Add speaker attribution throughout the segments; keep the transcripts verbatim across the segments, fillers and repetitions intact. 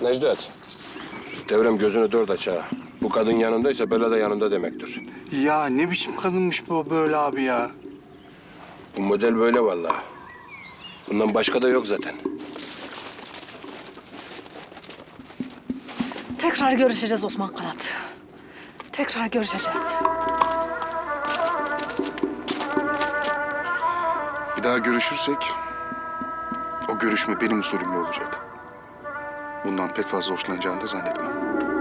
Speaker 1: Necdet, devrem gözünü dört aç ha. Bu kadın yanındaysa bela da yanında demektir.
Speaker 2: Ya ne biçim kadınmış bu böyle abi ya?
Speaker 1: Bu model böyle vallahi. Bundan başka da yok zaten.
Speaker 3: Tekrar görüşeceğiz Osman Kanat. Tekrar görüşeceğiz.
Speaker 2: Bir daha görüşürsek o görüşme benim usulümle olacak. Bundan pek fazla hoşlanacağını da zannetmem.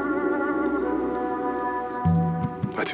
Speaker 2: Hadi.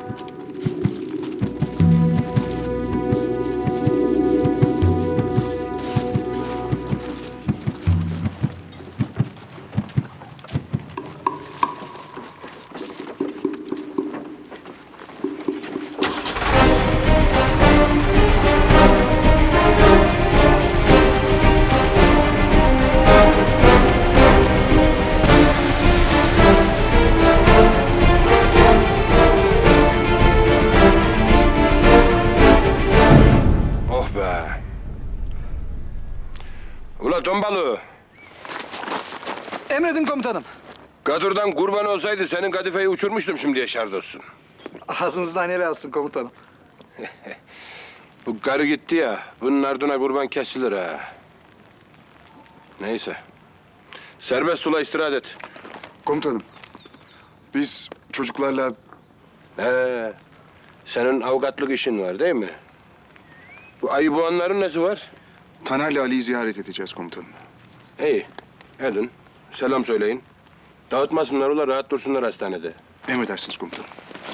Speaker 1: Oh be. Ula ton balığı.
Speaker 4: Emredin komutanım.
Speaker 1: Kadırdan kurban olsaydı senin kadifeyi uçurmuştum şimdiye şart olsun.
Speaker 4: Ağzınızdan yer alsın komutanım.
Speaker 1: Bu karı gitti ya, bunun ardına kurban kesilir ha. Neyse. Serbest ula istirahat et.
Speaker 2: Komutanım, biz çocuklarla
Speaker 1: He, senin avukatlık işin var değil mi? Bu ayı boğanların nesi var?
Speaker 2: Taner'le Ali'yi ziyaret edeceğiz komutanım.
Speaker 1: İyi, edin. Selam söyleyin. Dağıtmasınlar ula, rahat dursunlar hastanede.
Speaker 2: Emredersiniz komutanım.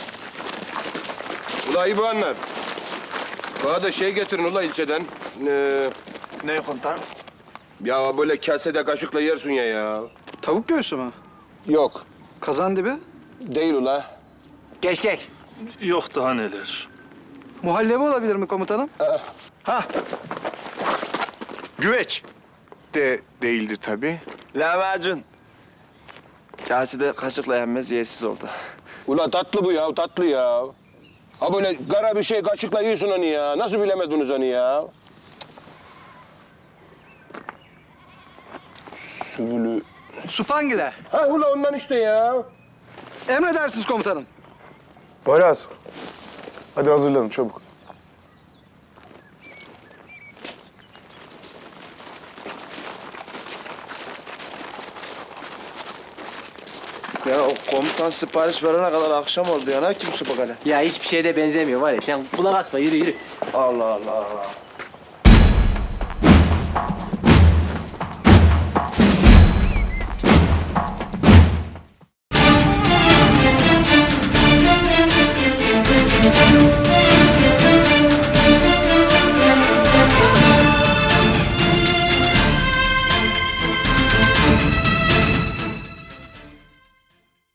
Speaker 1: Ula ayı boğanlar. Bana da şey getirin ula ilçeden. Ee,
Speaker 4: Ne komutanım?
Speaker 1: ya böyle kasede kaşıkla yersin ya ya.
Speaker 4: Tavuk göğsü mü?
Speaker 1: Yok,
Speaker 4: Kazan dibi?
Speaker 1: değil ula.
Speaker 4: Keşkek.
Speaker 5: Yok daha neler.
Speaker 4: Muhallebi olabilir mi komutanım?
Speaker 2: Güveç de değildir tabii.
Speaker 6: Lahmacun. Kasede kaşıkla yenmez, yersiz oldu.
Speaker 1: Ula tatlı bu ya, tatlı ya. Ha böyle kara bir şey kaşıkla yiyorsun onu ya. Nasıl bilemediniz onu ya? Sülü.
Speaker 4: Supangile.
Speaker 1: Ha ula ondan işte ya.
Speaker 4: Emredersiniz komutanım.
Speaker 2: Poyraz, hadi hazırlanın çabuk.
Speaker 6: Ya o komutan sipariş verene kadar akşam oldu ya. Ne kim su bakale?
Speaker 7: Ya hiçbir şeye de benzemiyor var ya. Sen kulak asma, yürü yürü.
Speaker 6: Allah Allah.